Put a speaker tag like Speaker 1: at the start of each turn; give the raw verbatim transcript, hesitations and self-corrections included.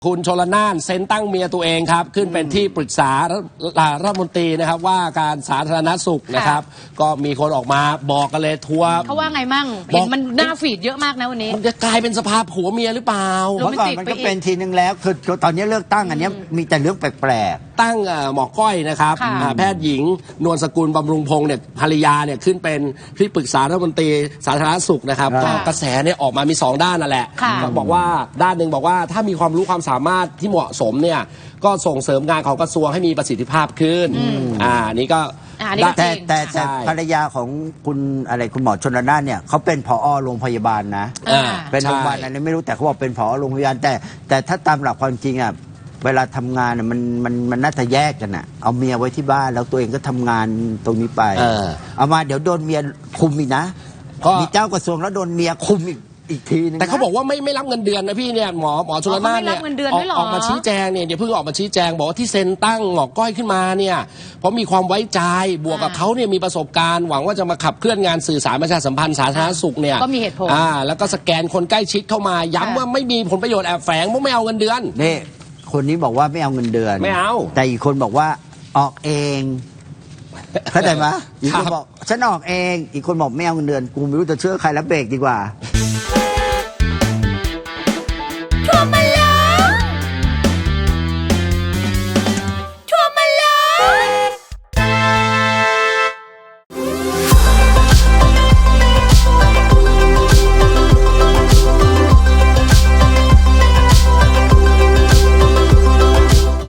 Speaker 1: คุณชลน่านเซ็นตั้งเมียตัวเองครับขึ้นเป็นที่ปรึกษารัฐมนตรีนะครับว่าการสาธารณสุขนะครับก็มีคนออกมาบอกกันเลยทัวร์
Speaker 2: เขาว่าไงมั่งเห็นมันหน้าฟีดเยอะมากนะวันนี้
Speaker 1: มันจะกลายเป็นสภาพผัวเมียหรือเปล่า
Speaker 3: เมื่อก่อนมันก็เป็นทีนึงแล้วคือตอนนี้เลือกตั้งอันนี้มีแต่เรื่องแปลก
Speaker 1: ๆตั้งหมอก้อยนะครับแพทย์หญิงนวลสกุลบำรุงพงศ์เนี่ยภรรยาเนี่ยขึ้นเป็นที่ปรึกษารัฐมนตรีสาธารณสุขนะครับกระแสเนี่ยออกมามีสองด้านนั่นแหละบอกว่าด้านหนึ่งบอกว่าถ้ามีความรู้ความสามารถที่เหมาะสมเนี่ยก็ส่งเสริมงานของกระทรวงให้มีประสิทธิภาพขึ้นอ่านี่ก็
Speaker 3: แต่แต่แต่ภรรยาของคุณอะไรคุณหมอชลน่านเนี่ยเขาเป็นผอโรงพยาบาลนะเป็นโรงพยาบาลอะไรไม่รู้แต่เขาบอกเป็นผอโรงพยาบาลแต่แต่ถ้าตามหลักความจริงอ่ะเวลาทำงานมันมันมันน่าจะแยกกันอ่ะเอาเมียไว้ที่บ้านแล้วตัวเองก็ทำงานตรงนี้ไปเอามาเดี๋ยวโดนเมียคุมอีกนะมีเจ้ากระทรวงแล้วโดนเมียคุมอีกอีกทีนึง
Speaker 1: แต่เขาบอกว่าไม่ไม่รับเงินเดือนนะพี่เนี่ยหมอหมอชลน่านเนี่ยออกมาชี้แจงเนี่ยเดี๋ยวเพิ่งออกมาชี้แจงบอกว่าที่เซ็นตั้งหมอก้อยขึ้นมาเนี่ยเพราะมีความไว้ใจบวกกับเขาเนี่ยมีประสบการณ์หวังว่าจะมาขับเคลื่อนงานสื่อสารประชาสัมพันธ์สาธารณสุขเนี่ย
Speaker 2: ก็มีเหตุผล
Speaker 1: อ่าแล้วก็สแกนคนใกล้ชิดเข้ามาย้ำว่าไม่มีผลประโยชน์แอบแฝงเพราะไม่เอาเงินเดือน
Speaker 3: นี่คนนี้บอกว่าไม่เอาเงินเดือน
Speaker 1: ไม่เอา
Speaker 3: แต่อีกคนบอกว่าออกเองเข้าใจไหมอีกคนบอกฉันออกเองอีกคนบอกไม่เอาเงินเดือนกูไม่รู้จะเชื่อใครแล้วเบรกดีกว่า